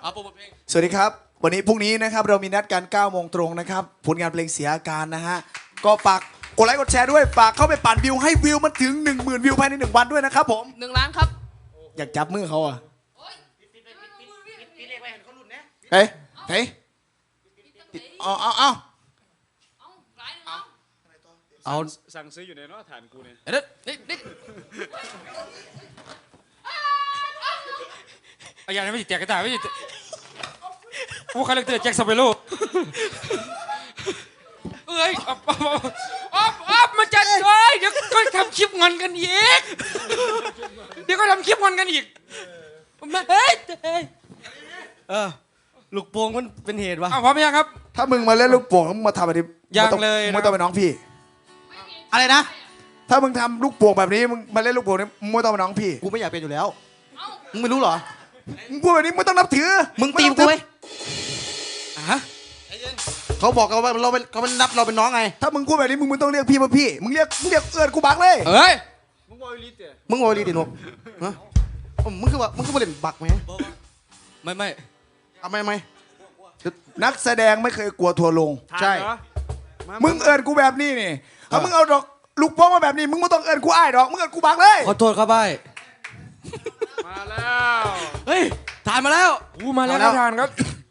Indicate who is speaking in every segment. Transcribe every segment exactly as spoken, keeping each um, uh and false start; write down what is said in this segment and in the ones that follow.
Speaker 1: เอาโปรโมทเพลง
Speaker 2: สวัสดีครับวันนี้พรุ่งนี้นะครับเรามีนัดกันเก้าโมงตรงนะครับผลงานเพลงเสียอาการนะฮะก็ฝากกดไลค์กดแชร์ด้วยฝากเข้าไปปั่นวิวให้วิวมันถึง หนึ่งหมื่น วิวภายในหนึ่งวันด้วยนะครับผม
Speaker 1: หนึ่งล้านครับ
Speaker 2: อยากจับมือเขาอ่ะเฮ้ยเฮ้ยเอาเอาเอาเอา
Speaker 3: สั่งซื้ออยู่ในนอฐานกูเนี่ย
Speaker 1: เด็ดนิดนิด
Speaker 4: อาจารย์ไม่ติดแจกกระต่ายไม่ติดผู้คาแรคเตอร์แจ็คสเปโร่เอ้ยอ๊อฟอ๊อฟอ๊อฟอ๊อฟมาจัดเลยเดี๋ยวก็ทำคลิปงอนกันอีกเดี๋ยวก็ทำคลิปงอนกันอีกมาเฮ้ยเฮ้ย
Speaker 5: เออลูกโป่งมันเป็นเหตุวะ
Speaker 4: อ้าวพร้อมยังครับ
Speaker 2: ถ้ามึงมาเล่นลูกโป่งมึงมาทำแบบนี้
Speaker 4: ยังเลยนะ
Speaker 2: มึงต้องเป็นน้องพี่
Speaker 5: อะไรนะ
Speaker 2: ถ้ามึงทำลูกโป่งแบบนี้มึงมาเล่นลูกโป่งนี่มึงไม่ต้องเป็นน้องพี่
Speaker 5: กูไม่อยากเป็นอยู่แล้วมึงไม่รู้เหรอ
Speaker 2: มึงพูดแบบนี้มึงต้องนับถือ
Speaker 5: มึงตีมกูไหมฮะเขาบอกกันว่าเราเป็นเขาเป็นนับเราเป็นน้องไง
Speaker 2: ถ้ามึงพูดแบบนี้มึงมึงต้องเรียกพี่ว่าพี่มึงเรียกมึงเรียกเอื้อนกูบักเลย
Speaker 4: เฮ้ย
Speaker 3: มึงบอยลิสเนี่ย
Speaker 5: มึงโอรีติโนกฮะมึงคือว่ามึงคือว่าเล่นบักไหม
Speaker 4: ไม่ไม่
Speaker 5: ทำไมไหม
Speaker 2: นักแสดงไม่เคยกลัวทัวร์ลง
Speaker 5: ใช่
Speaker 3: เหรอ
Speaker 2: มึงเอินกูแบบนี้นี่ถ้ามึงเอาดอกลูกโป่งมาแบบนี้มึงไม่ต้องเอินกูอ้ายดอกมึงเอินกูบักเลย
Speaker 5: ขอโทษครับบ้าย
Speaker 3: มาแล้ว
Speaker 5: เฮ้ยทานมาแล้ว
Speaker 4: อู้มาแล้วครับทานครับ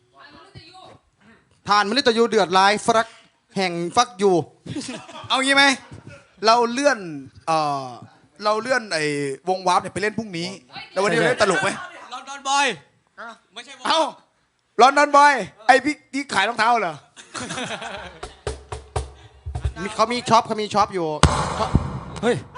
Speaker 5: ทานมันเลยตะยูเดือดลายฟักแห่งฟักอยู่
Speaker 2: เอางี้ไหมเราเลื่อนเอ่อเราเลื่อนไอ้วงวาร์ปเนี่ยไปเล่นพรุ่งนี้แล้ววันนี้เราเล่นตลกไหม
Speaker 4: ลอนดอนบอยไม่ใช่
Speaker 2: เอ้าลอนดอนบอยไอ้พี่ที่ขายรองเท้าเหรอ
Speaker 5: มีเขามีช็อปเขามีช็อปอยู่
Speaker 4: เฮ้ย